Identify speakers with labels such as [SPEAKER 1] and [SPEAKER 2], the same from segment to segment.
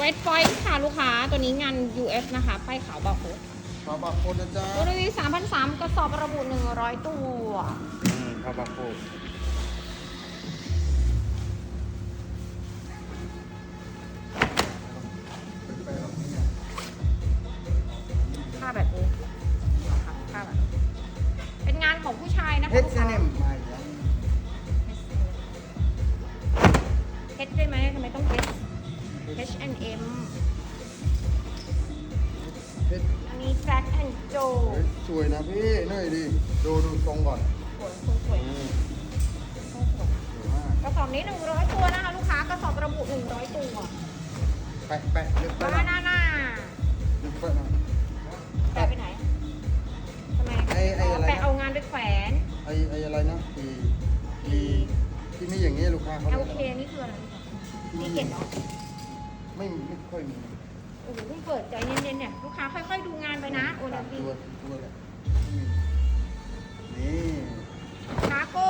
[SPEAKER 1] Red Point ค่ะลูกค้าตัวนี้งาน US นะคะป้ายขาวบาร์โค้ด
[SPEAKER 2] ขาวบาร์โค้ดนะจ๊ะ
[SPEAKER 1] ตัวรีวิว3,300กระสอบระบุ100 ตัว
[SPEAKER 2] ขาวบาร์โค้ด
[SPEAKER 1] ค่าแบบนี้นะคะค่าแบบนี้เป็นงานของผู้ชายนะคะ
[SPEAKER 2] เฮด
[SPEAKER 1] ลูก
[SPEAKER 2] เซ
[SPEAKER 1] ค้า
[SPEAKER 2] เนมมาอีกแล้ว
[SPEAKER 1] เฮดได้ไหมทำไมต้องเฮด H&M
[SPEAKER 2] เฮด
[SPEAKER 1] อันนี้ Jack and Joe
[SPEAKER 2] สวยนะพี่หน่อยดิดูทรงก่อน
[SPEAKER 1] สวยสวย
[SPEAKER 2] สวยมาก
[SPEAKER 1] กระสอบนี้100 ตัวนะคะลูกค้ากระสอบระบุ100 ตัว
[SPEAKER 2] แปะลึกไป
[SPEAKER 1] บานาน่า
[SPEAKER 2] ลึกไปหน่อย
[SPEAKER 1] แปะไปไหนทำไม
[SPEAKER 2] ไอ้อะไรนะ
[SPEAKER 1] แปะเอางานไปแขวน
[SPEAKER 2] ไอ้อะไรนะที่มีอย่างนี้ลูกค้าเขาเรียก
[SPEAKER 1] LK
[SPEAKER 2] อะไร
[SPEAKER 1] นี่คืออะไรนี่เก็บเหรอ
[SPEAKER 2] ไม่ค่อยมี
[SPEAKER 1] โอ้โหเพิ่งเปิดใจเย็นๆเนี่ยลูกค้าค่อยๆดูงานไปนะโอนาบี
[SPEAKER 2] ตัวแหละนี่
[SPEAKER 1] คาโก้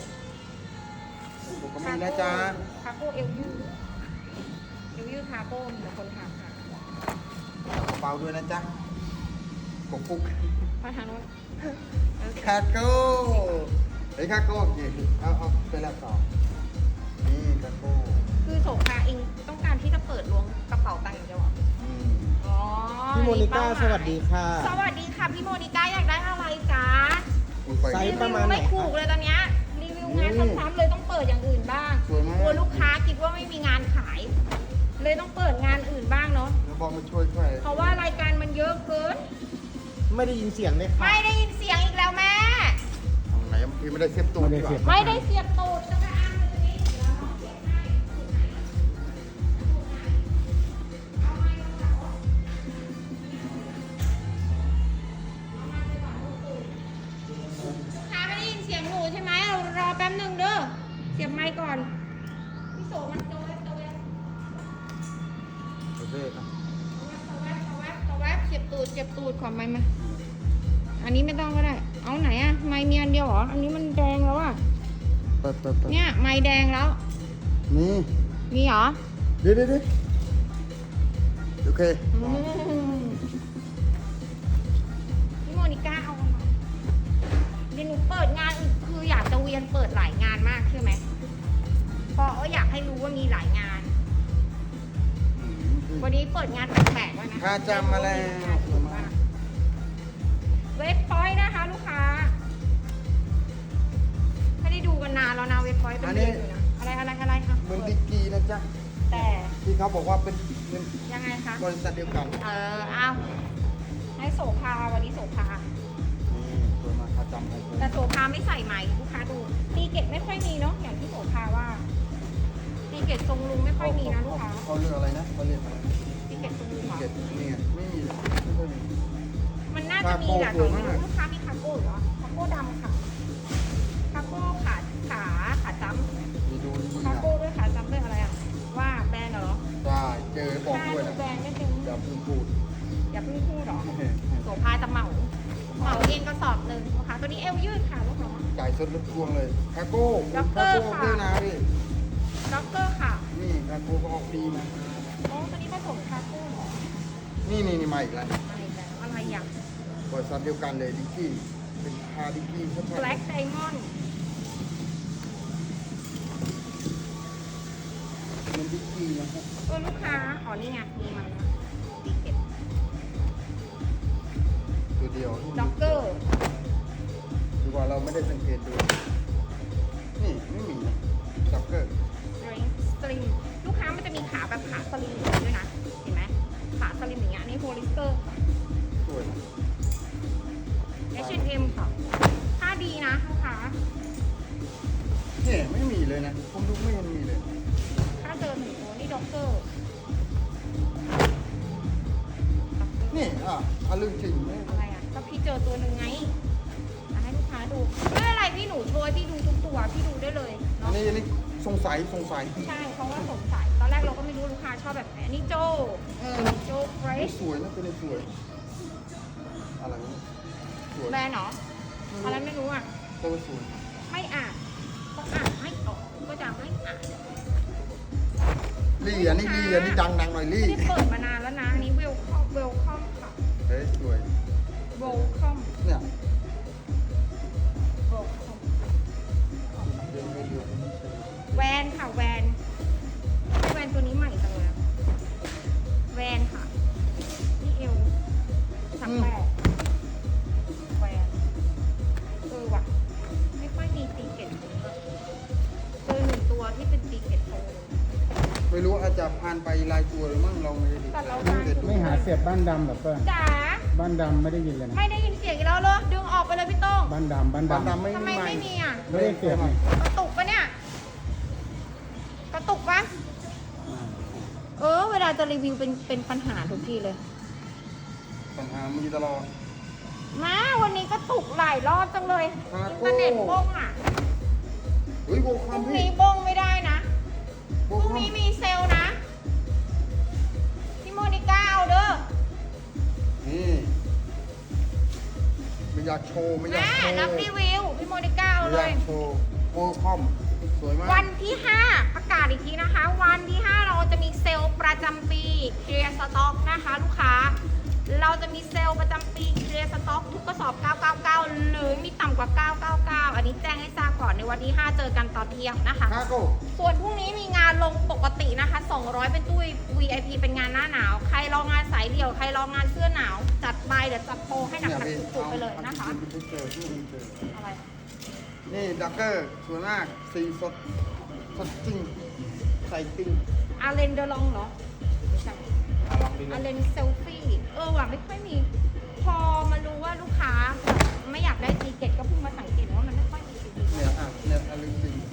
[SPEAKER 2] ผมก็มีนะจ๊ะ
[SPEAKER 1] คาโก้เอลยูคาโก้มีแต่คนถามค่ะ
[SPEAKER 2] กระเป๋าด้วยนะจ๊ะกบปุก
[SPEAKER 1] มาทางโน้น
[SPEAKER 2] คาโก้ไอ้คาโก้กี่เอาไปละต่อนี่คาโก้
[SPEAKER 1] คือโสภาเองต้องการที่จะเปิดล้วงกระเป๋าตังค์อย่างเดียวเหรอ อ๋อ
[SPEAKER 3] พี่โมนิก้า
[SPEAKER 1] เป้หมย
[SPEAKER 3] สวัสดีค่ะ
[SPEAKER 1] สวัสดีค่ะพี่โมนิก้าอยากได้อะไรจ๊ะ
[SPEAKER 3] ไซ
[SPEAKER 1] รี
[SPEAKER 3] ส์ประ
[SPEAKER 1] วิ
[SPEAKER 3] มาว ณไหน
[SPEAKER 1] ไม่ถูกเลยตอนเนี้ยรีวิวงานซ้ำๆเลยต้องเปิดอย่างอื่นบ้าง
[SPEAKER 2] สวยมาก
[SPEAKER 1] กลัวลูกค้าคิดว่าไม่มีงานขาย เลยต้องเปิดงานอื่นบ้างเนาะ
[SPEAKER 2] แล้วบอกมาช่วย
[SPEAKER 1] เพราะว่ารายการมันเยอะเกิน
[SPEAKER 3] ไม่ได้ยินเสียงเลยค่ะ
[SPEAKER 1] ไม่ได้ยินเสียงอีกแล้วแม่
[SPEAKER 2] ทางไหนพี่ไม่ได้เสียบตูดดีกว่า
[SPEAKER 1] ไม่ได้เสียบตูดจะไปอ้างเลยตรงนี้เดี๋ยวเราเสียบให้เอาไม้ลงเสาลูกค้าไม่ได้ยินเสียงหนูใช่ไหมรอแป๊บหนึ่งเด้อ เสียบไมค์ก่อน พี่โสมันโตเว็บโตเว็บ
[SPEAKER 2] โอเคครับ
[SPEAKER 1] เสียบตูดขอไม้มา อันนี้ไม่ต้องก็ได้ เอาไหนอะไม้มีอันเดียวเหรอ อันนี้มันแดงแล้วอะ
[SPEAKER 2] เปิด
[SPEAKER 1] เนี่ยไม้แดงแล้ว
[SPEAKER 2] นี่
[SPEAKER 1] มีเหรอ
[SPEAKER 2] เดี๋ยวโอเค
[SPEAKER 1] พี่โมนิก้าเอามาเดี๋ยวหนูเปิดงานอีกคืออยากจะเวียนเปิดหลายงานมากใช่ไหมเพราะอยากให้รู้ว่ามีหลายงาน วันนี้เปิดงานแปลกๆไว้นะ
[SPEAKER 2] ค่าจำมาแล้ว
[SPEAKER 1] เว็บพอยต์นะคะลูกค้าไม่ได้ดูกันนานแล้วนะเว็บพอยต์เป็นเดือนอยู่นะอะไรคะ
[SPEAKER 2] เหมือนดิกกี้นะจ๊ะ
[SPEAKER 1] แต่
[SPEAKER 2] ที่เขาบอกว่าเป็น
[SPEAKER 1] ยังไงคะ
[SPEAKER 2] บริษัทเดียวกัน
[SPEAKER 1] เอาให้โสภาวันนี้โสภา
[SPEAKER 2] นี่ตัวมาค่าจำให้เลย
[SPEAKER 1] แต่โสภาไม่ใส่ไหมลูกค้าดูตีเกตไม่ค่อยมีเนาะอย่างที่โสภาว่าตีเกตทรงลุงไม่ค่อยมีนะลูกค้า
[SPEAKER 2] เขาเรียกอะไรนะเขาเรียกอะไร
[SPEAKER 1] ตีเกตทรงลุงเหรอ
[SPEAKER 2] เก็ตนี่ไงไม่มีไม่ค่อยมี
[SPEAKER 1] มันน่าจะมีแหละ
[SPEAKER 2] คาโก้
[SPEAKER 1] แต่ไม่
[SPEAKER 2] สวยมาก
[SPEAKER 1] รู้ลูกค้ามีคาโก้เหรอคาโก้ดำค่ะคาโก้ขาจ้ำ
[SPEAKER 2] มีดูนี่
[SPEAKER 1] คา
[SPEAKER 2] นะ
[SPEAKER 1] โก้ด้วยขาจ้ำด้วยอะไรอ่ะว่าแบรนด์เหรอ
[SPEAKER 2] ได้เจอบอก
[SPEAKER 1] ถ้า
[SPEAKER 2] ด้วย
[SPEAKER 1] ดู
[SPEAKER 2] นะ
[SPEAKER 1] แบรนด์ไม่เป็น
[SPEAKER 2] อย่าเพิ่งพูด
[SPEAKER 1] อย่าเพิ่งพูดหรอโสภาจะเหมาเองกระสอบหนึ่งลูกค้าตัวนี้เอวยืดค่ะลูกค้า
[SPEAKER 2] จ่ายสดรถทวงเลยคาโก้
[SPEAKER 1] ด็อกเตอร์ค่ะ
[SPEAKER 2] ด้วยนะพี่
[SPEAKER 1] ด็อกเกอร์ค่ะ
[SPEAKER 2] นี่คาโก้ก็ออกดีนะ
[SPEAKER 1] อ๋อตัวนี้ผสมคาโก้เหรอ
[SPEAKER 2] นี่มาอีกแล้ว
[SPEAKER 1] อะไรแบบอะไรอย่าง
[SPEAKER 2] บริษัทเดียวกันเลยดิกกี้เป็นคาดิกกี้ชัด
[SPEAKER 1] Black Diamond
[SPEAKER 2] ๆมันดิกกี้นะครับ
[SPEAKER 1] ตัวลูกค้าอ๋อนี่ไงมีมันนะตีเก็ต
[SPEAKER 2] ตัวเดียว
[SPEAKER 1] ด็อกเกอร์
[SPEAKER 2] ดีกว่าเราไม่ได้สังเกตดูนี่ไม่มีนะด็อกเกอร์
[SPEAKER 1] สลิมลูกค้ามันจะมีขาแบบขาสลิมอย่างนี้ด้วยนะ เห็นไหมขาสลิมอย่างเงี้ยอันนี่โพลิสเตอร์
[SPEAKER 2] สวยนะ
[SPEAKER 1] H&M ค่ะค่าดีนะลูกค้า
[SPEAKER 2] เนี่ยไม่มีเลยนะผมดูไม่เห็นมีเลย
[SPEAKER 1] ค่าเจอหนึ่งตัวนี่ด็อกเกอร์
[SPEAKER 2] นี่เรื่องจริงไม่
[SPEAKER 1] อะไรอ่ะก็พี่เจอตัวหนึ่งไงอ่ะให้ลูกค้าดูไม่เป็นไรพี่หนูโชว์ให้พี่ดูทุกตัวพี่ดูได้เลย
[SPEAKER 2] อั
[SPEAKER 1] เนาะ
[SPEAKER 2] นนี้สงสัย
[SPEAKER 1] ใช่เพราะว่าสงสัยตอนแรกเราก็ไม่รู้ลูกค้าชอบแบบไหนอันนี้โจเฟรช
[SPEAKER 2] สวยนะตัวนี้สวยอะไรนี่สวย
[SPEAKER 1] แบรนด์เหรออะไรไม่รู้อ่ะ
[SPEAKER 2] ตัวสวย
[SPEAKER 1] ไม่อ่านต้องอ่านให้ออกก็จะไม่อ่าน
[SPEAKER 2] ลี่อันนี้ลี่อันนี้ดังหน่อยลี่
[SPEAKER 1] ไม่ได้เปิดมานานแล้วนะอันนี้เวลคอมค่ะ
[SPEAKER 2] เฮ้ยสวย
[SPEAKER 1] เวลคอม
[SPEAKER 2] เนี่ย
[SPEAKER 1] เวลคอมแวนค่ะแวนตัวนี้ใหม่จังเลยอะแวนค่ะนี่เอว38แวนว่ะไม่ค่อยมีตีเกตเจอหนึ่งตัวที่เป็นตีเกตโต
[SPEAKER 2] ไม่รู้อาจจะผ่านไปลายตัวหรือมั่งเราไม่ได้ดู
[SPEAKER 1] แต่เรา
[SPEAKER 3] ไม่หาเสียบบ้านดำเหรอเปิ้ล
[SPEAKER 1] จ๋า
[SPEAKER 3] บ้านดำไม่ได้ยินเลยนะ
[SPEAKER 1] ไม่ได้ยินเสียงอีกแล้วเหรอดึงออกไปเลยพี่โต้ง
[SPEAKER 3] บ้านดำ
[SPEAKER 2] บ้านดำไม่
[SPEAKER 1] ทำไม
[SPEAKER 2] มีใหม่
[SPEAKER 1] ไม่มีอ่ะ
[SPEAKER 3] ไม่ได้เสียบไหม
[SPEAKER 1] กระตุกปะเนี่ยกระตุกปะเวลาจะรีวิวเป็นปัญหาทุกทีเลย
[SPEAKER 2] ปัญหามีตลอด
[SPEAKER 1] มาวันนี้ก็ตุกหลายรอบจังเลย
[SPEAKER 2] ครับ
[SPEAKER 1] อินเทอร์เน็ตบ้งอ่ะ
[SPEAKER 2] เฮ้ยโบ
[SPEAKER 1] พ
[SPEAKER 2] คอ
[SPEAKER 1] รุ่
[SPEAKER 2] ม
[SPEAKER 1] ง
[SPEAKER 2] พี่
[SPEAKER 1] นี้บ้งไม่ได้นะ
[SPEAKER 2] โบ
[SPEAKER 1] พรุ่ง
[SPEAKER 2] คอม
[SPEAKER 1] นี้มีเซลล์นะพี่โมนิก้าเอาเด้อ
[SPEAKER 2] นี่ไม่อยากโชว์ไม่อยาก
[SPEAKER 1] แม่
[SPEAKER 2] โชว์
[SPEAKER 1] รับรีวิวพี่โมนิก้าเอา
[SPEAKER 2] ไม่
[SPEAKER 1] เล
[SPEAKER 2] อยาย กโชว์โบคอมสวยมาก
[SPEAKER 1] วันที่ 5 ประกาศอีกทีนะคะ วันที่ 5 เราจะมีเซลล์ประจำปีเคลียร์สต็อกนะคะลูกค้า เราจะมีเซลล์ประจำปีเคลียร์สต็อกทุกกระสอบ 999 หรือมีต่ำกว่า 999 อันนี้แจ้งให้ทราบก่อนในวันที่ 5 เจอกันตอนเที่ยงนะคะ
[SPEAKER 2] คาโก้
[SPEAKER 1] ส่วนพรุ่งนี้มีงานลงปกตินะคะ 200 เป็นตู้ VIP เป็นงานหน้าหนาว ใครรองานสายเดี่ยว ใครรองานเสื้อหนาว จัดไปเดี๋ยวจัดโปรให้หนักๆสุดๆไปเลยนะคะ
[SPEAKER 2] ไม่เจอที่เจอ
[SPEAKER 1] อะไร
[SPEAKER 2] นี่ดักเกอร์สวยมากสีสดจริงใส่จริง
[SPEAKER 1] อาเลนเดอลองเหรอไม่ใช่
[SPEAKER 2] ลองดู
[SPEAKER 1] อาเลนเซลฟี่ว่ะไม่ค่อยมี พอมารู้ว่าลูกค้าแบบไม่อยากได้ตีเกตก็เพิ่งมาสังเกตว่ามันไม่ค่อยมีตีเกต
[SPEAKER 2] เนี่ยเนี่ยอะไรจริง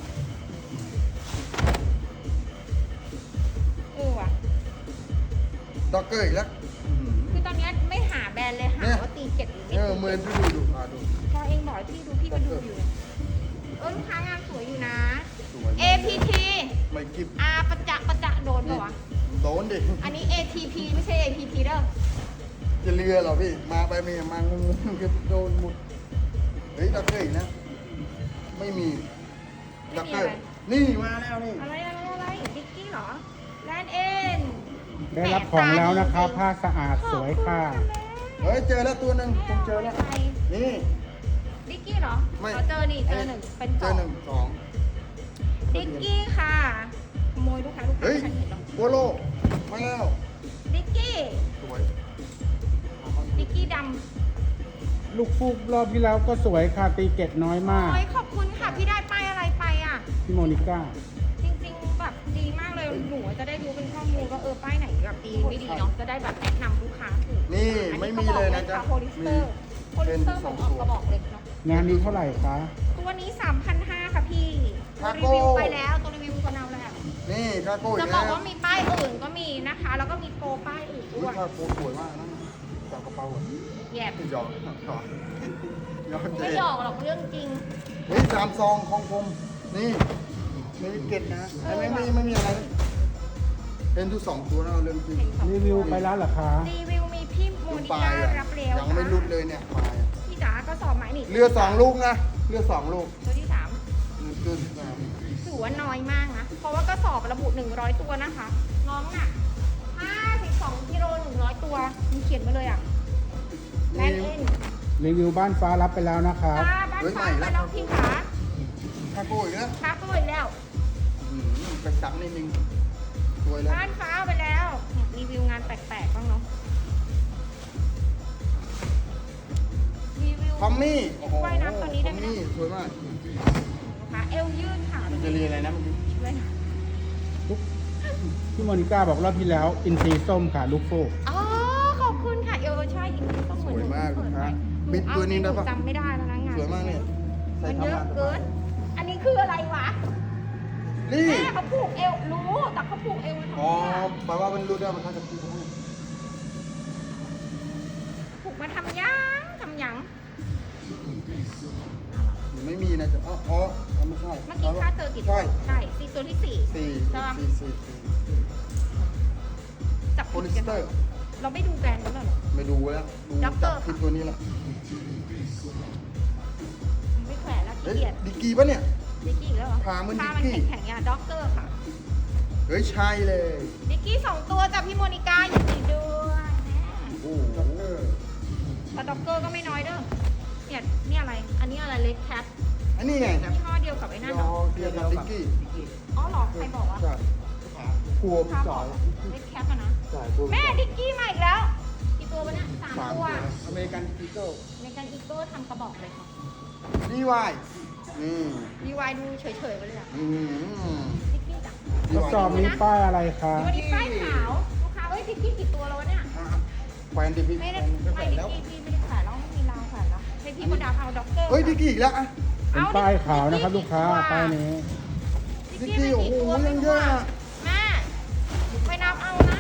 [SPEAKER 1] ว่ะ
[SPEAKER 2] ดักเกอร์อีกแล้ว
[SPEAKER 1] คือตอนนี้ไม่หาแบรนด์เลยหาว่าตีเกตหรือไม่
[SPEAKER 2] เหมือนที่ดูดู
[SPEAKER 1] พอเองบอกให้พี่ดูพี่ก็ดูอยู่ลูกค้างานสวยอยู่นะ
[SPEAKER 2] สวย
[SPEAKER 1] APT
[SPEAKER 2] ไม่กิบ
[SPEAKER 1] ประจะโดนป่าวะ
[SPEAKER 2] โดนดิ
[SPEAKER 1] อันนี้ ATP ไม่ใช่ APT เด้อ
[SPEAKER 2] จะเรือเหรอพี่มาไปมีมางงก็โดนหมดเฮ้ยดักเกอร์อีกนะไม่มีดักเกอร์นี่มาแล้วนี่
[SPEAKER 1] อะไรดิกกี้เหรอแลนเอ็น
[SPEAKER 3] ได้รับของแล้วนะครับผ้าสะอาดสวยค่ะ
[SPEAKER 2] เฮ้ยเจอแล้วตัวหนึ่งผมเจอแล้วนี่
[SPEAKER 1] ดิกกี้เหรอ
[SPEAKER 2] ไม่
[SPEAKER 1] เราเจอนี่เจอหนึ่งเป็น
[SPEAKER 2] เจ
[SPEAKER 1] สอ
[SPEAKER 2] อง หนึ่งสอง
[SPEAKER 1] ดิกกี้ค่ะขโมยลูกค้า
[SPEAKER 2] เฮ้ย
[SPEAKER 1] ฉันเห็นหรอก
[SPEAKER 2] โบโลมาแล้ว
[SPEAKER 1] ดิกกี้
[SPEAKER 2] สวย
[SPEAKER 1] ดิกกี้ด
[SPEAKER 3] ลูกฟูกรอบที่แล้วก็สวยค่ะตีเกตน้อย
[SPEAKER 1] ำ
[SPEAKER 3] มาก
[SPEAKER 1] โอ้ยขอบคุณค่ะพี่ได้ป้ายอะไรไปอ่ะ
[SPEAKER 3] พี่โมนิก้า
[SPEAKER 1] จริงๆแบบดีมากเลยหนูจะได้รู้เป็นข้อมูลว่าป้ายไหนแบบดีไม่ดีเนาะจะได้แบบแนะนำลูกค้าถูก
[SPEAKER 2] นี่ไม่มีเลยนะจ๊ะ
[SPEAKER 1] โพลิสเตอร์เหมือนออกกระบอกเหล็กเนาะ
[SPEAKER 3] งานนี้เท่าไหร่คะ
[SPEAKER 1] ตัวนี้ 3,500 ค่ะพี่ตัวรีวิวไปแล้วตัวรีวิวตัวนาวแล้ว
[SPEAKER 2] นี่คาโก้อี
[SPEAKER 1] จะ
[SPEAKER 2] ก
[SPEAKER 1] บ
[SPEAKER 2] แล้
[SPEAKER 1] อก
[SPEAKER 2] ว
[SPEAKER 1] ว่ามีป้ายอื่นก็มีนะคะ แล้วก็มีโปรป้ายอื่น
[SPEAKER 2] อุ้
[SPEAKER 1] ด้วย ย
[SPEAKER 2] คาโก้สวยมากนะจับกระเป๋าอ่ะ
[SPEAKER 1] แยบ
[SPEAKER 2] หยอกหยอก
[SPEAKER 1] ไม่หยอกหรอกเรื่องจริง
[SPEAKER 2] เฮ้ยสามซองของผมนี่มีเก็ตนะไม่มีอะไรเป็นทุกสองตัวนะเรื่องจริง
[SPEAKER 3] รีวิวไปแล้วเหรอคะ
[SPEAKER 1] รีวิวมีพี่โมนิ
[SPEAKER 2] ปลา
[SPEAKER 1] ก้าย
[SPEAKER 2] อ่ะ
[SPEAKER 1] รับเร็ว
[SPEAKER 2] ยังไม่รุดเลยเนี่ยปลาย
[SPEAKER 1] พี่จ๋าก็สอบไหมนี่
[SPEAKER 2] เรือสองลูกนะเรือสองลูก
[SPEAKER 1] ตัวที่
[SPEAKER 2] เรือสาม
[SPEAKER 1] 3ถือว่าน้อยมากนะ เพราะว่าก็สอบระบุ100 ตัวนะคะ น้องน่ะ52กิโล100 ตัวมีเขียนมาเลยอ่ะแลนเอ็น
[SPEAKER 3] รีวิวบ้านฟ้ารับไปแล้วนะคะ
[SPEAKER 1] บ้านฟ้าไปแล้วพี่ขา
[SPEAKER 2] คาโก้อีกแล้ว
[SPEAKER 1] ค้าตัวอีกแล้ว
[SPEAKER 2] ไปซ้ำนิดนึงสวยแล้ว
[SPEAKER 1] บ้านฟ้าไปแล้วเนี่ยรีวิวงานแปลกๆบ้างเนาะรีวิว
[SPEAKER 2] คอมมี่โอ้โห
[SPEAKER 1] ว่ายน้ำตัวนี้ได้ไหม
[SPEAKER 2] คอมมี่สวยมาก
[SPEAKER 1] นะคะเอวยืดค่ะ
[SPEAKER 2] มันจะเรียนอะไรนะเมื่อกี้
[SPEAKER 1] ช่วยหน่อย
[SPEAKER 3] พี่โมนิก้าบอกรอบที่แล้ว อินทรีส้มค่ะลูกฟูก
[SPEAKER 1] อ๋อขอบคุณค่ะเอวใช่อีกนิดต้องเหมือนหนูเปิดไปห
[SPEAKER 2] บิดตัวนี้ได้ปะ
[SPEAKER 1] จำไม่ได้แล้วนะงาน
[SPEAKER 2] สวยมากเนี่ยใส่
[SPEAKER 1] มันเย
[SPEAKER 2] ทำ
[SPEAKER 1] อะ
[SPEAKER 2] งาน
[SPEAKER 1] เกิน อันนี้คืออะไรวะ
[SPEAKER 2] นี่
[SPEAKER 1] แม่เขาผูกเอวรู้แต่เขาผูกเอวมาทำ
[SPEAKER 2] อ๋อ
[SPEAKER 1] ไมอะ
[SPEAKER 2] แปลว่ามันรู้ได้มันทำกับพี่เขาให้
[SPEAKER 1] ผูกมาทำยัง
[SPEAKER 2] ไม่มีนะจ๊ะอ๋อไม่ใช่
[SPEAKER 1] เมื่อกี้ค่าเจอกี่ตัว
[SPEAKER 2] ใช่
[SPEAKER 1] ใช่สี่ตัวที่สี่
[SPEAKER 2] สี่
[SPEAKER 1] ใช่ปะ
[SPEAKER 2] สี่
[SPEAKER 1] จับ
[SPEAKER 2] โพ
[SPEAKER 1] ผิด
[SPEAKER 2] ลิส
[SPEAKER 1] กัน
[SPEAKER 2] เตอร์
[SPEAKER 1] เราไม่ดูแบรนด์แล้วเหรอ
[SPEAKER 2] ไม่ดูแล้วดู
[SPEAKER 1] ด็อกเตอ
[SPEAKER 2] จั
[SPEAKER 1] ร์
[SPEAKER 2] บผิดตัวนี้แหละ
[SPEAKER 1] ไม่แขวนแล้วขี้
[SPEAKER 2] เฮ้ย
[SPEAKER 1] เกียจ
[SPEAKER 2] ดิกกี้ปะเนี่ย
[SPEAKER 1] ดิกกี้อีกแล้วเหรอ
[SPEAKER 2] ขาเหมือน
[SPEAKER 1] ขา
[SPEAKER 2] ดิกกี้
[SPEAKER 1] แข็งๆอย่างด็อกเตอร์ค่ะ
[SPEAKER 2] เฮ้ยใช่เลย
[SPEAKER 1] ดิกกี้2ตัวจากพี่โมนิก้ายินดีด้วยแม่
[SPEAKER 2] โอ้โห
[SPEAKER 1] แต่ด็อกเกอร์ก็ไม่น้อยเด้อเนี่ยนี่อะไร อันนี้อะไรเล็กแคท
[SPEAKER 2] อันนี้ไง
[SPEAKER 1] ยี่ห้อเดียวกับไอ้นั่นเหรอ
[SPEAKER 2] เดียวกับติ๊กกี้
[SPEAKER 1] อ๋อเหรอใครบอกวะ
[SPEAKER 2] ใช่กลัว
[SPEAKER 1] ค้า
[SPEAKER 2] พี่
[SPEAKER 1] บ
[SPEAKER 2] จ๋
[SPEAKER 1] อ
[SPEAKER 2] อก ย
[SPEAKER 1] อะเล็กแคทอะนะ
[SPEAKER 2] ใช่กลัว
[SPEAKER 1] แม่ดิกกี้มาอีกแล้วกี่ตัววะเนี่ย3 ตัว
[SPEAKER 2] อเมริกันอีเกิล
[SPEAKER 1] ในการอีโก้ทำกระบอกเลยค่ะ
[SPEAKER 2] ดีวายนี่
[SPEAKER 1] ดีวายดูเฉยๆไปเลยอะ
[SPEAKER 2] อืม
[SPEAKER 1] ดิกกี้จ้ะ
[SPEAKER 3] กระสอบนี้ป้ายอะไรคะ
[SPEAKER 1] วันนี้ป้ายขาวลูกค้าเอ้ยดิกกี้กี่ตัวแล้ววะเนี่ย
[SPEAKER 2] แควนดิพี่
[SPEAKER 1] ไม่ได้
[SPEAKER 2] แคว
[SPEAKER 1] ไม่
[SPEAKER 2] น
[SPEAKER 1] ดิก
[SPEAKER 2] แล้ว
[SPEAKER 1] กี้พี่ไม่ได้ขายแล้วไม่มีราวขายแล้วให้พี่คนดาเอาด็อกเตอร์
[SPEAKER 2] เฮ้ยดิกกี้อีกแล้วอ่ะ
[SPEAKER 3] เป็นป้ายขาวนะครับลูกค้าป้ายนี้
[SPEAKER 1] ดิกกี้มันกี่ตัวไม่รู้อะแม่ไปนับเอานะ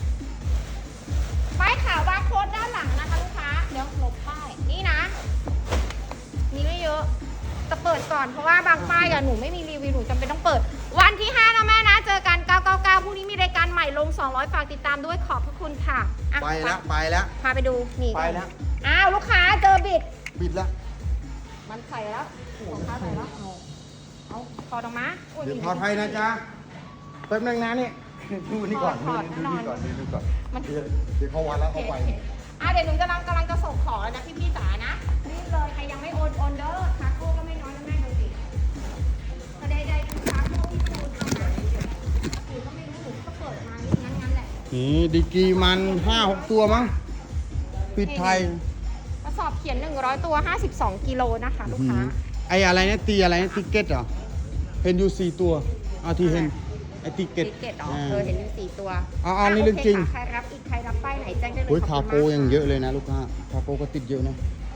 [SPEAKER 1] ป้ายขาวบาร์โค้ดด้านหลังนะคะลูกค้าเดี๋ยวหลบป้ายนี่นะมีไม่เยอะแต่เปิดก่อนเพราะว่าบางป้ายอะหนูไม่มีรีวิวหนูจำเป็นต้องเปิด วันที่5นะแม่นะเจอกัน999พรุ่งนี้มีรายการใหม่ลง200ฝากติดตามด้วยขอบพระคุณค่ะอ่ะ
[SPEAKER 2] ไปแล้วไปแล้ว
[SPEAKER 1] พาไปดูนี่
[SPEAKER 2] ไปแล้ว
[SPEAKER 1] อ้าวลูกค้าเจอบิด
[SPEAKER 2] บิดแล้ว
[SPEAKER 1] มันใส่แล้วของค้าใส่แล้วเอาถอดออกมาโย
[SPEAKER 2] เดี๋ยว
[SPEAKER 1] นี่
[SPEAKER 2] พอไทยนะจ๊ะแป๊บนึงนะนี่ดูนี่ก่อน
[SPEAKER 1] ถอด
[SPEAKER 2] ดู
[SPEAKER 1] แน่นอน
[SPEAKER 2] นี่ก่อนดูก่อน
[SPEAKER 1] มัน
[SPEAKER 2] เดี๋ยวเขาวัดแล้ว
[SPEAKER 1] โอ
[SPEAKER 2] เขา
[SPEAKER 1] เค
[SPEAKER 2] ไป
[SPEAKER 1] โอเคเดี๋ยวหนูกำลังจะส่งของแล้วนะพี่จ๋านะรีบเลยใครยังไม่โอนเด้อคาโก้ก็ไม่น้อยนะแม่ดูสิกระไดๆดูคาโก้ที่โอนเอานะหนูก็ไม่รู้หนูก็เปิดมานี่งั้นแหละ
[SPEAKER 2] นี่ดิกีมัน5-6 ตัวมั้งปิดไทย
[SPEAKER 1] กระสอบเขียน100ตัว52กิโลนะคะลูกค้า
[SPEAKER 2] ไออะไรเนี่ยตีอะไรเนี่ยติเก็ตเหรอเห็นอยู่4 ตัวเอาที่เห็นไอติเก็ต
[SPEAKER 1] ติเก็ตอ๋อเห็นอยู่4ตัว
[SPEAKER 2] เอานี่เรื่องจริง
[SPEAKER 1] โคค่ะใครรับอีกใครรับป้ายไหนแจ้งได้เลย
[SPEAKER 2] โอ้ย
[SPEAKER 1] ข
[SPEAKER 2] คา
[SPEAKER 1] บคุณ
[SPEAKER 2] โก้
[SPEAKER 1] มก
[SPEAKER 2] ยังเยอะเลยนะลูกค้าคาโก้ก็ติดเยอะนะ